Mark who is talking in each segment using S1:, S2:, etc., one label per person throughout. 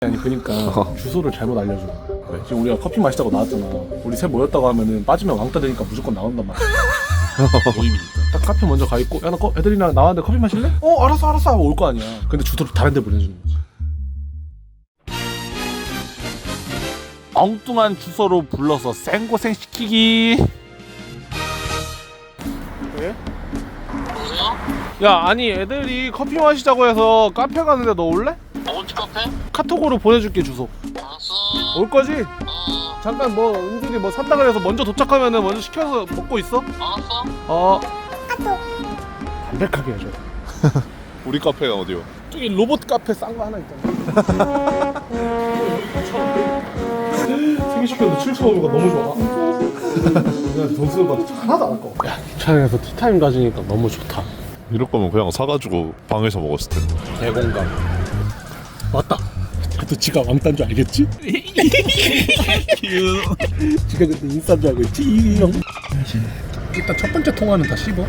S1: 아니 그니까 주소를 잘못 알려줘. 그래. 지금 우리가 커피 마시자고 나왔잖아. 우리 셋 모였다고 하면은 빠지면 왕따 되니까 무조건 나온단 말이야. 모임이니까. 딱 카페 먼저 가 있고, 야 나 애들이랑 나왔는데 커피 마실래? 알았어 하고 올 거 아니야. 근데 주소를 다른 데 보내주는 거지. 엉뚱한 주소로 불러서 생고생 시키기. 네?
S2: 여보세요?
S1: 야 아니 애들이 커피 마시자고 해서 카페 가는데 너 올래?
S2: 어디 카페?
S1: 카톡으로 보내줄게 주소.
S2: 알았어.
S1: 올 거지?
S2: 어,
S1: 잠깐 뭐 은준이 뭐 산다 그래서 먼저 도착하면은 먼저 시켜서 먹고 있어?
S2: 알았어.
S1: 담백하게 해줘.
S3: 우리 카페가 어디요?
S1: 저기 로봇 카페 싼 거 하나 있잖아. 생시켰는데 7,500원 너무 좋아. 그냥 돈 쓰는 거 하나도 안 아까워. 야 차량에서 티타임 가지니까 너무 좋다.
S3: 이럴 거면 그냥 사가지고 방에서 먹었을 텐데.
S1: 대공감. 맞다. 또 지가 왕따인 줄 알겠지? 지가 그때 인싸인 줄 알고 있지? 일단 첫 번째 통화는 다 씹어.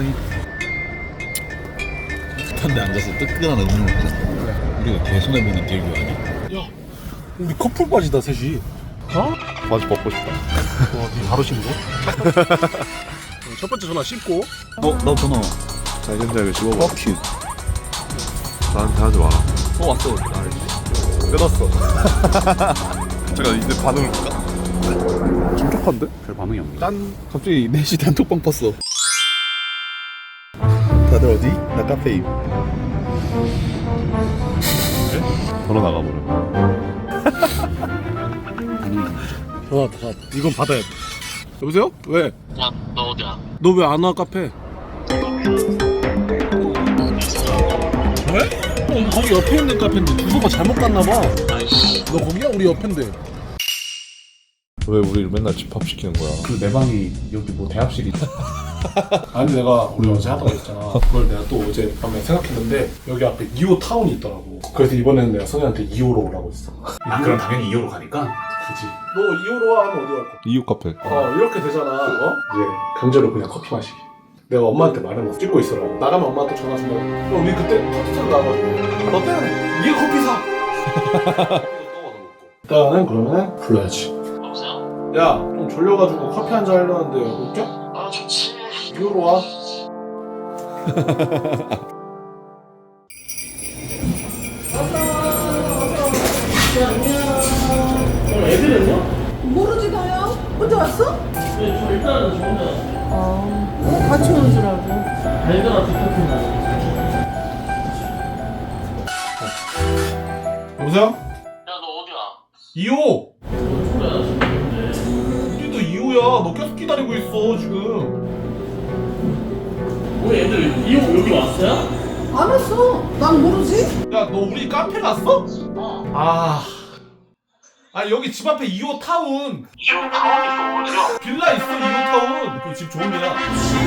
S4: 습한데 앉아서 뜨끈한 음료를 먹는 우리가 개손해보는 딜교 아니야?
S1: 야 우리 커플 바지다 셋이. 어?
S3: 바지 벗고 싶다.
S1: 와, 니 바로 신고? 첫 번째 전화 씹고.
S4: 너 전화
S3: 자기장에 집어봐. 큐. 나한테 하지 마라.
S4: 왔어.
S3: 끊었어. 제가 이제 반응을 볼까?
S1: 촉촉한데?
S4: 별 반응이 없네.
S1: 난
S4: 갑자기 4시 단톡방 팠어. 다들 어디? 나 카페임.
S3: 걸어 나가버려.
S1: 전화 이건 받아야 돼. 여보세요? 왜?
S2: 야, 너 어디야?
S1: 너 왜 안 와 카페? 왜? 거기 옆에 있는 카페인데 주소가 잘못 갔나 봐.
S2: 아이씨.
S1: 너 거기야? 우리 옆인데.
S3: 왜 우리를 맨날 집합시키는 거야?
S1: 그 내 방이 여기 뭐 대합실이 아니 내가 우리 어제 하다가 있잖아. 그걸 내가 또 어제 밤에 생각했는데 여기 앞에 2호 타운이 있더라고. 그래서 이번에는 내가 선혜한테 2호로 오라고 했어.
S4: 그럼 당연히 2호로 가니까?
S1: 그지. 너 2호로 와 하면 어디 갈 거야?
S3: 이유 카페.
S1: 이렇게 되잖아. 이제 강제로 그냥 커피 마시기. 내가 엄마한테 말해놨어. 찍고 있으라고. 나가면 엄마한테 전화 준다고. 우리 그때 커피숍 나가가지고 너 때는 네가 커피 사. 일단은 그러면 불러야지.
S2: 여보세요?
S1: 야 좀 졸려가지고 커피 한잔 하려는데 웃겨?
S2: 아, 좋지.
S1: 2호로 와.
S5: 모르지 나야? 혼자 왔어?
S2: 네, 저 일단은 저 혼자
S5: 같이 오는 줄 알고.
S2: 달걀한테 카페
S1: 여보세요?
S2: 야, 너 어디야?
S1: 2호!
S2: 소리야, 지금.
S1: 우리도 2호야. 너 계속 기다리고 있어 지금.
S2: 우리 애들 이호 여기 왔어요?
S5: 안 왔어. 난 모르지.
S1: 야 너 우리 카페 갔어?
S2: 어.
S1: 아니 여기 집 앞에 2호 타운
S2: 이호 타운이 어디야?
S1: 빌라 있어. 2호 타운 그 집 좋은 데야.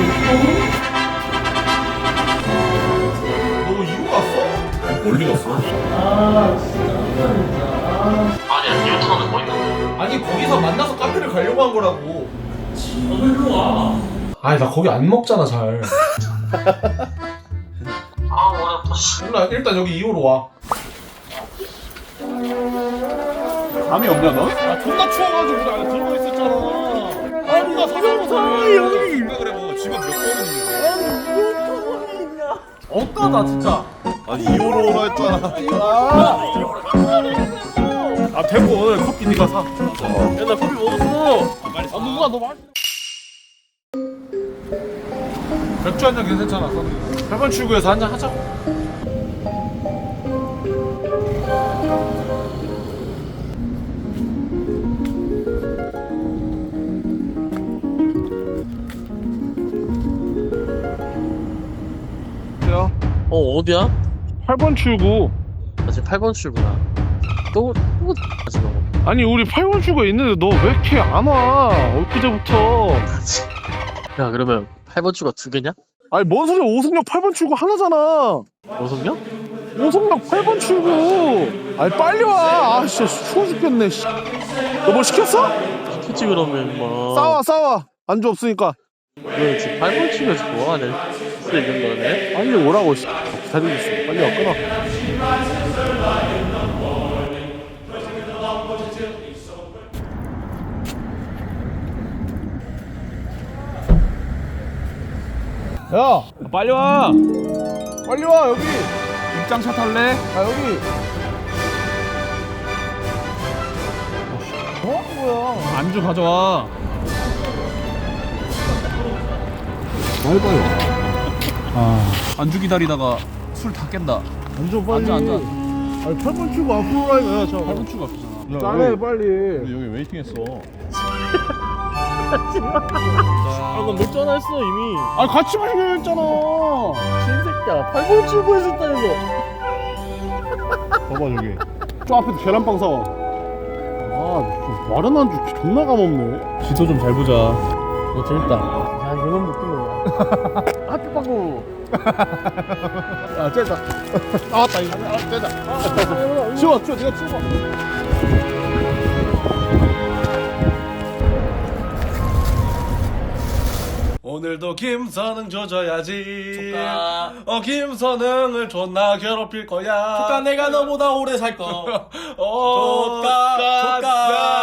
S1: 너 2호 갔어?
S3: 멀리 갔어.
S2: 아, 진짜. 아니야, 이호 타운에 뭐 있는데?
S1: 아니 거기서 만나서 카페를 가려고 한 거라고.
S2: 너 일로 와.
S1: 아니 나 거기 안 먹잖아 잘.
S2: 아, 어렵다, 씨.
S1: 몰라 일단 여기 2호로 와.
S3: 감이 없냐 너?
S1: 아 존나 추워가지고 우리 안에 들어가 있었잖아. 아니 나 사장사 여기. 그래 뭐 집안 몇 번이니까. 어떠다 진짜.
S3: 아니 2호로 오라 했잖아.
S1: 아 대구 오늘 커피 니가 사. 야나 커피 먹었어. 아 누가 너 말. 맥주 한잔 괜찮잖아. 8번 출구에서 한잔 하자고. 야
S2: 어디야?
S1: 8번 출구.
S2: 나 지금 8번 출구야. 또 하지 너.
S1: 아니 우리 8번 출구에 있는데 너 왜 이렇게 안 와? 엊그제부터.
S2: 야, 그러면 8번 출구가 2개냐?
S1: 아니 뭔 소리야. 오승역 8번 출구 하나잖아.
S2: 오성이야?
S1: 오성역 8번 출구. 아니 빨리 와. 아 진짜 추워 죽겠네. 너 뭐 시켰어?
S2: 시키지 그러면 뭐.
S1: 싸워. 안주 없으니까.
S2: 너 지금 8번 출구에서 뭐하냐? 진짜 있는 거네?
S1: 빨리 오라고. 기다리고 있어. 빨리 와 끊어. 야 빨리 와 빨리 와 여기 입장차 탈래? 아 여기 뭐야 안주 가져와
S3: 빨리빨리 와.
S1: 안주 기다리다가 술 다 깬다
S6: 앉아 빨리.
S1: 앉아.
S6: 아니 8번 출구 앞으로 가야 야 저.
S1: 8분 추가 앞이잖아
S6: 짜네 빨리.
S4: 여기 웨이팅했어.
S6: 아까 몇 잔 했어 이미.
S1: 아 같이 마시기로 했잖아
S6: 신새끼야 8번 출구에서 했다 이거. 봐봐 저기. 저 앞에 계란빵 사와. 아 마른 안주 존나 감없네.
S1: 지도 좀 잘 보자
S6: 이거 재밌다. 야 이런 느낌이야. 학교 빵구. 아 째다. 나왔다 이거. 아 째다. 치워 네가 치워.
S1: 오늘도 김선흥 조져야지 김선흥을 존나 괴롭힐 거야
S2: 조카 내가 너보다 오래 살 거.
S1: 조카
S2: 조카.